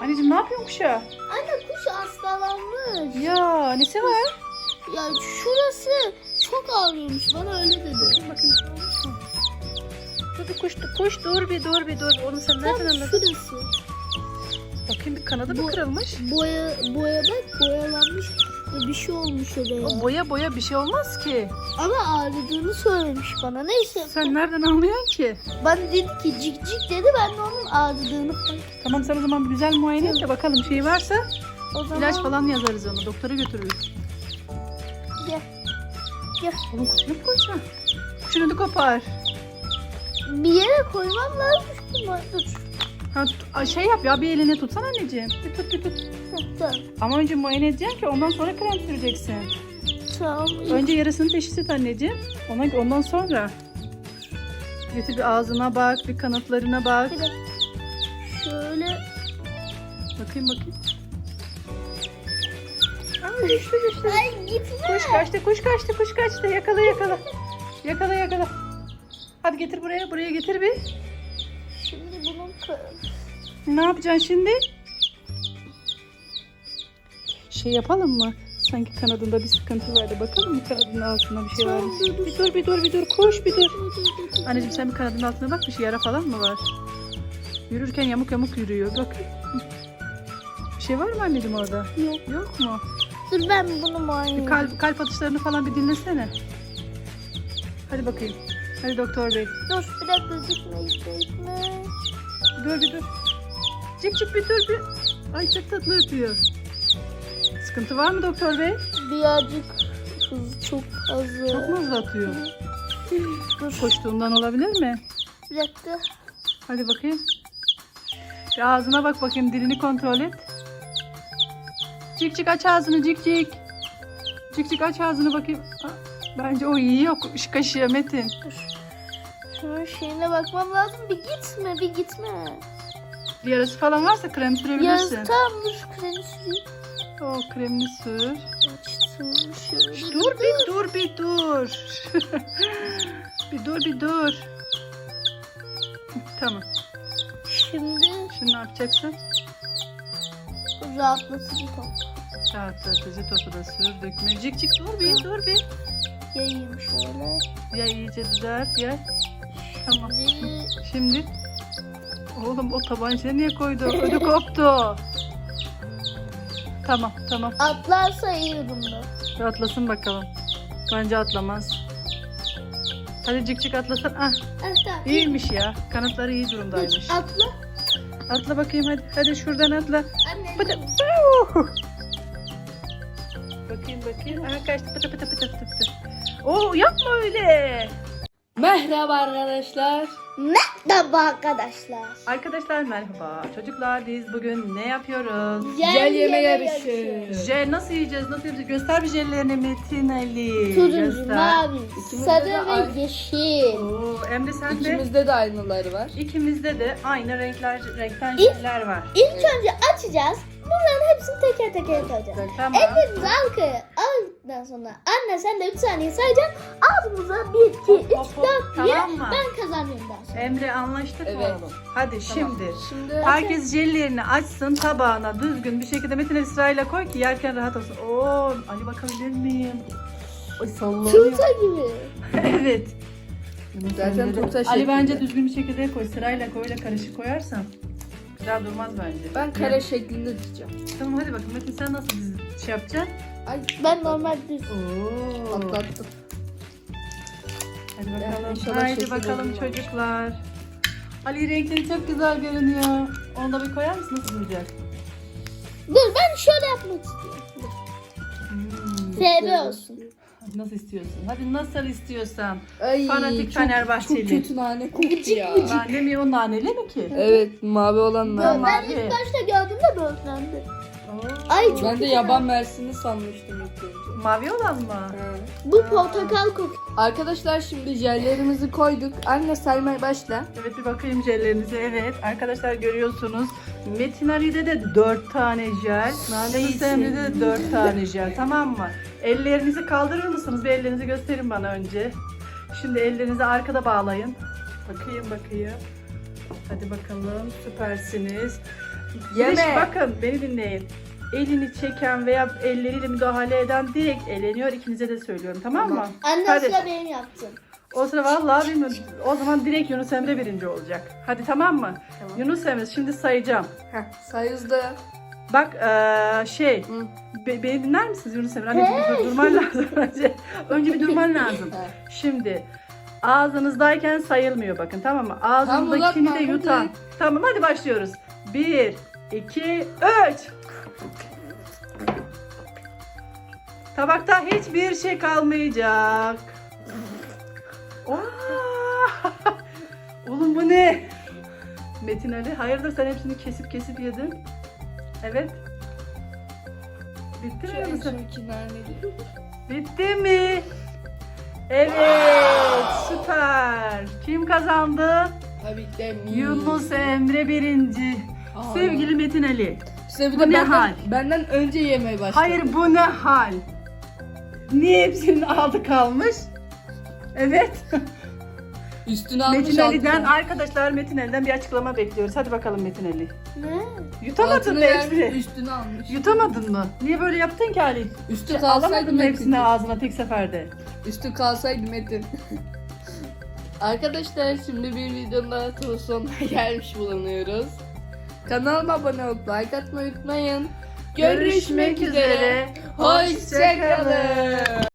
Anneciğim ne yapıyorsun kuşa? Anne kuş hastalanmış. Ya nesi var? Ya şurası çok ağrıyormuş. Bana öyle dedi. Bakayım bir şey olmuş mu? Dur bir kuş dur bir dur. Onu sen nereden Tam anladın? şurası. Bakayım bir kanadı mı kırılmış? Boya bak boyalanmış. Bir şey olmuş oraya. O boya bir şey olmaz ki. Ama ağrıdığını söylemiş bana. Neyse. Sen nereden anlıyorsun ki? Bana dedi ki cik cik dedi. Ben de onun ağrıdığını fark ettim. Tamam sen o zaman bir güzel muayene et de bakalım şey varsa O zaman ilaç falan yazarız onu. Doktora götürürüz. gel. Gel. Oğlum kuşunu mu koyacaksın? Kuşunu da kopar. Bir yere koymam lazım. Dur. Ha, şey yap ya bir eline tutsana anneciğim. Bir tut. Tamam. Ama önce muayene edeceksin ki ondan sonra krem süreceksin. Tamam. Önce yarasını teşhis et anneciğim. Ondan sonra. Götür bir ağzına bak, bir kanatlarına bak. Bir de şöyle. Bakayım. Ay düştü. Ay gitme. Kuş kaçtı. Yakala. Hadi getir buraya getir bir. Şimdi bunun Ne yapacaksın şimdi? Şey yapalım mı? Sanki kanadında bir sıkıntı vardı. Bakalım mı kanadının altında bir şey var mı? Bir dur. Kuş bir dur. Anneciğim sen bir kanadının altına bak. Bir şey yara falan mı var? Yürürken yamuk yürüyor. Bak. Bir şey var mı anneciğim orada? Yok. Yok mu? Dur ben bunu muayene Bir kalp atışlarını falan bir dinlesene. Hadi bakayım. Hadi doktor bey. Dur bir dakika gitme. Dur bir dur. Cik bir dur bir. Ay çok tatlı ötüyor. Sıkıntı var mı doktor bey? Birazcık hız çok az. Çok mu hızlı atıyor? Dur Koştuğundan olabilir mi? bir dakika. Hadi bakayım. Bir ağzına bak bakayım. Dilini kontrol et. Cik aç ağzını cik. Cik aç ağzını bakayım. Bence o iyi yok. Kaşıya Metin. Dur. Şunun şeyine bakmam lazım. Bir gitme. Bir yarası falan varsa krem sürebilirsin. Tamam dur kremi süreyim. O kremini sür. Açtım şöyle. Dur bir dur. bir dur. Tamam. Şimdi Şimdi ne yapacaksın? rahatlatıcı top. Rahatlatıcı topu da sür. Dökme. Cik dur bir. Yayayım şöyle. Ya iyice düzelt ya. Tamam. Şimdi Şimdi. Oğlum o tabancayı niye koydu? Ödü koptu. Tamam. atlarsa iyi durumda. Atlasın bakalım. Bence atlamaz. Hadi cik atlasın. Ah, Tamam. iyiymiş ya. Kanatları iyi durumdaymış. Atla. Atla bakayım hadi. Hadi şuradan atla. Anne. Pıtı. Bakayım. Aha kaçtı pıtı. Oo yapma öyle. Merhaba arkadaşlar. Merhaba arkadaşlar. Arkadaşlar merhaba. Çocuklar biz bugün ne yapıyoruz? Gel yeme yarışı. Jel nasıl yiyeceğiz? Göster bir jellerini Metin Ali. Turuncu, Göster. mavi, İkimizde sarı de ve aynı. yeşil. Oo, Emre sen de. İkimizde de aynıları var. İkimizde de aynı renkten jeller var. İlk önce açacağız. Bunların hepsini teker teker koyacağız. Tamam. Ellerimizi arkaya aldıktan sonra anne sen de 3 saniye sayacaksın. Ağzımıza 1, 2, 3, Hop, 4 diye tamam mı? ben kazanıyorum daha sonra. Emre anlaştık mı Evet. oğlum? Hadi şimdi. Şimdi Herkes jellerini açsın tabağına düzgün bir şekilde Metin Ali sırayla koy ki yerken rahat olsun. Oo, Ali bakabilir miyim? Ay sallanıyor. Turta gibi. Evet. zaten turta Ali şeklinde. bence düzgün bir şekilde koy. Sırayla koy öyle karışık koyarsan güzel durmaz bence. Ben kare şeklinde diyeceğim. Tamam hadi bakalım Metin sen nasıl şey yapacaksın? Ay Ben normal düz. Oo. atlattım. Hadi Ya, bakalım. inşallah Haydi şekil bakalım olur. çocuklar. Ali renkleri çok güzel görünüyor. Onu da bir koyar mısın? Nasıl duracak? Dur ben şöyle yapmak istiyorum. Dur. FB olsun. Nasıl istiyorsun? Hadi nasıl istiyorsan. Ay, Fanatik çok Fenerbahçeli. kötü nane koktu ya. Nane mi o naneli mi ki? Evet mavi olan Ben nane. ilk başta gördüğümde böğürtlendi. Oo. Ay çok Ben de güzel. yaban mersini sanmıştım ilk önce. Mavi olan mı? Ha. Bu portakal kokuyor. Arkadaşlar şimdi jellerimizi koyduk. Anne saymaya başla. Evet bir bakayım jellerinize. Evet arkadaşlar görüyorsunuz. Metin Ali'de de 4 tane jel. Yunus Emre'de de 4 tane jel. Tamam mı? Ellerinizi kaldırır mısınız? Bir ellerinizi gösterin bana önce. Şimdi ellerinizi arkada bağlayın. Bakayım. Hadi bakalım süpersiniz. Bir de Yeme. bakın beni dinleyin. Elini çeken veya elleriyle müdahale eden direkt eleniyor. İkinize de söylüyorum, tamam mı? Anne Hadi. sıra benim yaptım. O sıra vallahi bilmiyorum. O zaman direkt Yunus Emre birinci olacak. Hadi tamam mı? Tamam. Yunus Emre şimdi sayacağım. Say hızlı. Bak Hı. beni dinler misiniz Yunus Emre? Anneciğim durman lazım önce. Önce bir durman lazım. Şimdi ağzınızdayken sayılmıyor bakın, tamam mı? Ağzındakini uzatma, de yutan. hadi. Tamam hadi başlıyoruz. 1, 2, 3. Tabakta hiçbir şey kalmayacak. Aa! Oğlum bu ne? Metin Ali, hayırdır sen hepsini kesip kesip yedin? Evet. Bitti mi Yunus Emre? Bitti mi? Evet, süper. Kim kazandı? Tabii ki de Yunus Emre birinci. Aa. Sevgili Metin Ali. İşte bir Bu de ne hal? benden önce yemeye başladı. Hayır, bu ne hal? Niye hepsinin altı kalmış? Evet. Üstüne almış Metin Ali'den altına. arkadaşlar, Metin Ali'den bir açıklama bekliyoruz. Hadi bakalım Metin Ali. Ne? Yutamadın Altını mı vermiş, hepsini? üstüne almış. Yutamadın mı? Niye böyle yaptın ki Ali? Üstü kalsaydı Alamadın mı Metin. hepsini ağzına tek seferde? Üstü kalsaydı Metin. Arkadaşlar şimdi bir videonun daha sonuna gelmiş bulunuyoruz. Kanalıma abone olup like atmayı unutmayın. Görüşmek üzere. Hoşçakalın.